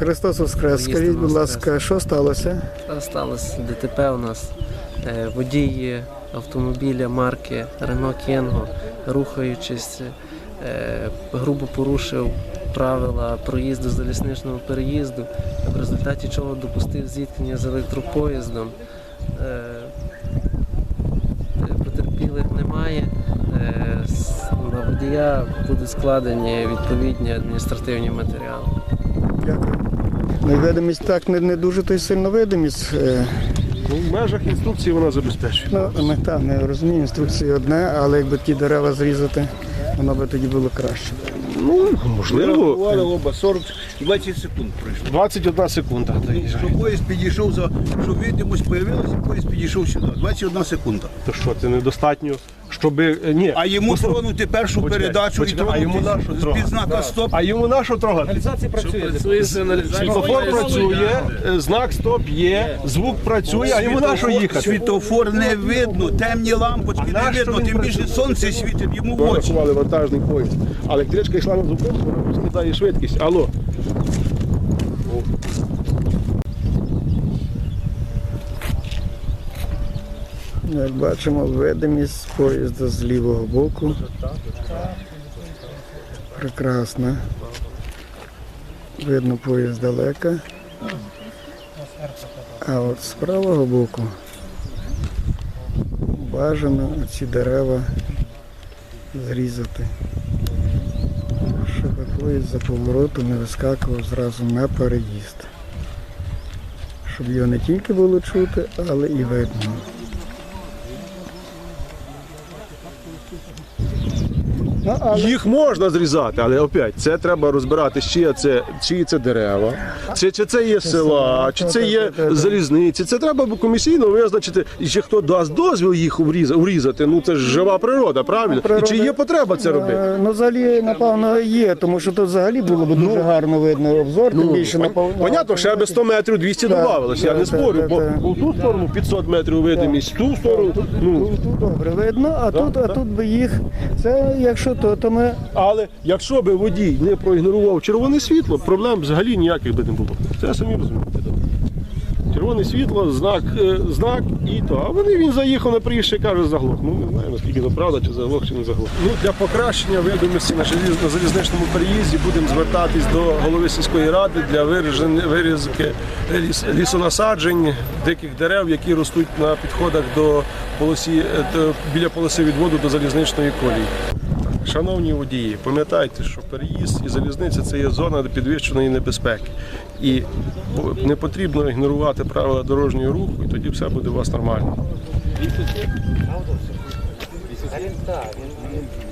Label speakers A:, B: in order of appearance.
A: Христос Воскрес. Скажіть, будь ласка, що сталося?
B: Сталося ДТП у нас. Водій автомобіля марки Renault Kangoo, рухаючись, грубо порушив правила проїзду залізничного переїзду, в результаті чого допустив зіткнення з електропоїздом. Потерпілих немає. На водія будуть складені відповідні адміністративні матеріали.
A: Дякую. Видимість так не дуже то й сильно видимість.
C: В межах інструкції вона забезпечує.
A: Ну, ми розуміємо, інструкції одне, але якби ті дерева зрізати, воно би тоді було краще.
C: Ну, можливо.
D: Оба 20 секунд пройшло.
C: 21 секунда.
D: Щоб поїзд підійшов, щоб видимость з'явилася, поїзд підійшов сюди. 21 секунда.
C: То що, це недостатньо, щоб... Ні.
D: А йому тронути першу передачу і тронути з-під знака «Стоп».
C: А йому на що трогати?
B: Реалізація працює.
C: Світлофор працює, знак «Стоп» є, звук працює, а йому на що їхати?
D: Світлофор не видно, темні лампочки не видно, тим більше сонце світить йому в очі.
C: Рахували вантажний поїзд. А електричка йшла на зупинку, вона скидає швидкість. Алло.
A: Як бачимо, видимість поїзда з лівого боку. Прекрасна. Видно поїзд далеко. А от з правого боку бажано ці дерева зрізати, щоб поїзд за повороту не вискакував зразу на переїзд. Щоб його не тільки було чути, але і видно.
C: Їх можна зрізати, але опять, це треба розбирати, чиї це дерева, чи це є села, чи це є залізниці. Це треба комісійно визначити, і чи хто дасть дозвіл їх урізати. Ну це ж жива природа, правильно? І чи є потреба це робити?
A: Ну, взагалі, напевно, є, тому що тут взагалі було б дуже гарно видно обзор, тим більше напевно.
C: Понятно, ще би 100 метрів 200 додавалося, я не спорю, бо в ту сторону 500 метрів видимість, в ту сторону,
A: Тут добре видно, а тут би їх, це якщо то ми...
C: Але якщо би водій не проігнорував червоне світло, проблем взагалі ніяких би не було. Це самі розумієте. Червоне світло, знак і то. А він заїхав на приїжджий і каже заглох. Ну не знаю, наскільки це правда, чи заглох, чи не заглох. Ну, для покращення видимості на залізничному переїзді будемо звертатись до голови сільської ради для вирізки лісонасаджень, диких дерев, які ростуть на підходах біля полоси відводу до залізничної колії. Шановні водії, пам'ятайте, що переїзд і залізниця – це є зона підвищеної небезпеки. І не потрібно ігнорувати правила дорожнього руху, і тоді все буде у вас нормально.